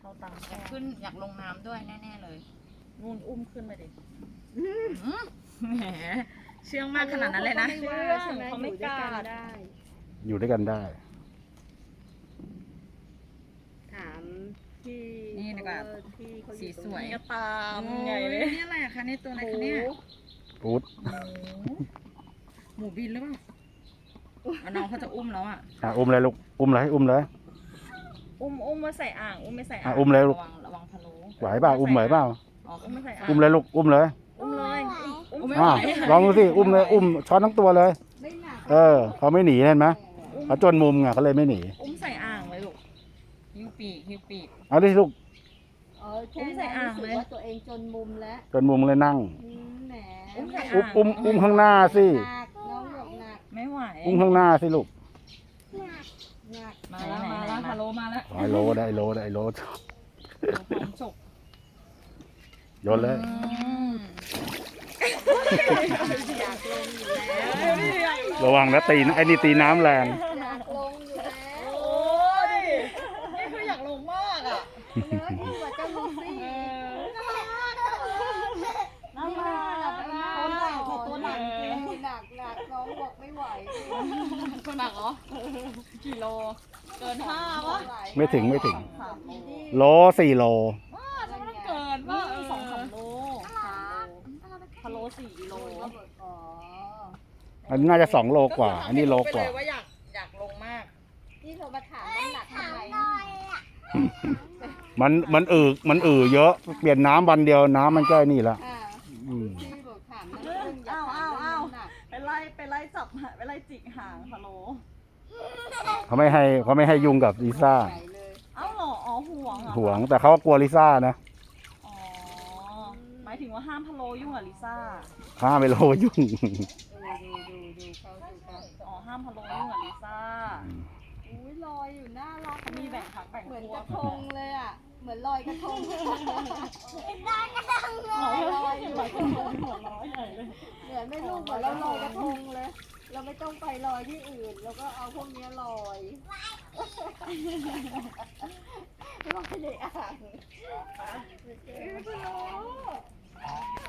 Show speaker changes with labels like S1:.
S1: เข้าตังค์
S2: ขึ้นอยากลงน้ำด้วยแน่ๆเลย
S1: นู่นอุ้มขึ้นไปดิ
S2: แหมเชื่องมากขนาดนั้นเลยนะ
S1: เชื่องเขาไม่กล้าได้
S3: อยู่ด้วยกันได้
S4: ถามที่
S2: นี่ดีกว่า
S4: ที่เขาอ
S2: สี
S4: ยู่ต
S2: ส
S4: รง
S2: วย
S4: นี้
S1: กระตาม
S2: โอ้
S1: ใหญ่
S2: ย
S1: เลย
S2: นี่อะไรอะคะในตัวอะไรคะเนี่ย
S3: ปูด
S2: หมูบินหรือเปล่าเอาน้องเขาจะอุ้มแล้วอ่ะ
S3: อุ้มเลยลูก อุ้มเลยอุ้มเลย
S1: อุ้มมาใส่อ่างอุ้มไม่ใส่อ่าง
S3: อุ้มเลยลูก
S2: ระวังพะโล้
S3: ไหวเปล่าอุ้มไหวเปล่า
S2: อ๋อ
S1: อุ้มไม่ใส่อ่าง
S3: อุ้มเลยลูก อุ้มเลย
S1: อุ้มเลยอุ้ม
S2: ไม่
S3: อ้าว
S2: ไหว
S3: ลองดูสิ อุ้มเลย อุ้มช้อนทั้งตัวเลย
S4: ไม่หนัก
S3: เขาไม่หนีเห็นไหมเขาจนมุมไงเขาเลยไม่หนี
S1: อุ้มใส่อ่างเลยลูก
S2: หิ้วปีก
S3: เอาดิลูก
S4: แค่นั้นรู้สึกว่าตัวเองจนมุมแล้ว
S3: จนมุมเลยนั่ง
S4: แหม
S1: อุ้มใส่
S3: อุ้มข้างหน้าสิ
S4: หนักน้องบอกหนัก
S1: ไม่ไหว
S3: อุ้มข้างหน้าสิลูก
S4: หนัก
S1: มาแล้วพะโล้มาแล้ว
S3: ไอโลได้โลได้โล
S1: ความฉก
S3: โยนเลย
S4: อยากลงอยู่แล้ว
S3: ระวังนะตีนะไอ้นี่ตีน้ำแรง
S4: อยากลงอยู่แล้ว
S1: โอ้ยนี่คืออยากลงมากอ่ะ
S4: เนื้อที่ว่าจะลงสิ
S1: น้ำมา
S4: ตัวหนักจริงหนักน้องบอกไม่ไหว
S1: ตัวหนักเหรอกี่โล เกิน5วะ
S3: ไม่ถึง
S1: 3 โล
S3: โล4 โล
S1: ว้าจะไม่ต้องเกินว่า2-3 โลพะโล้4 โล
S4: อ๋อ
S3: อันนี้น่าจะ2 โลกว่า อันนี้โลกว่า
S1: ไปเยว่าอยากลงมาก
S4: ที่เรามาถามน้ำหนักทำไม
S3: มันเยอะ เปลี่ยนน้ำวันเดียวน้ำมันก็นี่ละ
S4: ที่บอกถามน้ำหนักอยากถามน้ำหนัก
S1: ไปไล่จับไปไล่จิกหางพะโล้
S3: เขาไม่ให้ยุ่งกับลิซ่า
S4: ใหญ่เลย
S1: เอ้าเหรออ๋อห่วงเหรอ
S3: ห่วงแต่เขาก็กลัวลิซ่านะ
S1: อ๋อหมายถึงว่าห้ามพะโล้ยุ่งกับลิซ่า
S3: ห้ามไม่โลยุ่ง
S4: ดูเขา
S1: อ๋อห้ามพะโล้ยุ่งกับลิซ่า
S4: อุ้ยลอยอยู่น่ารัก
S1: เขามีแบ่งพักแบ่ง
S4: เหมือน
S1: พ
S4: ก
S1: ว
S4: ระ
S1: ก
S4: ทงเลยอ่ะ เหมือนลอยกระทง
S1: ลอยอยู่ลอยกระทงหัวร้อยใหญ่เลย
S4: เหมือนไม่รู้เหมือนเราลอยกระทงเลย เราไม่ต้องไปลอยที่อื่น เราก็เอาพวกนี้ลอยลอยในอ่าง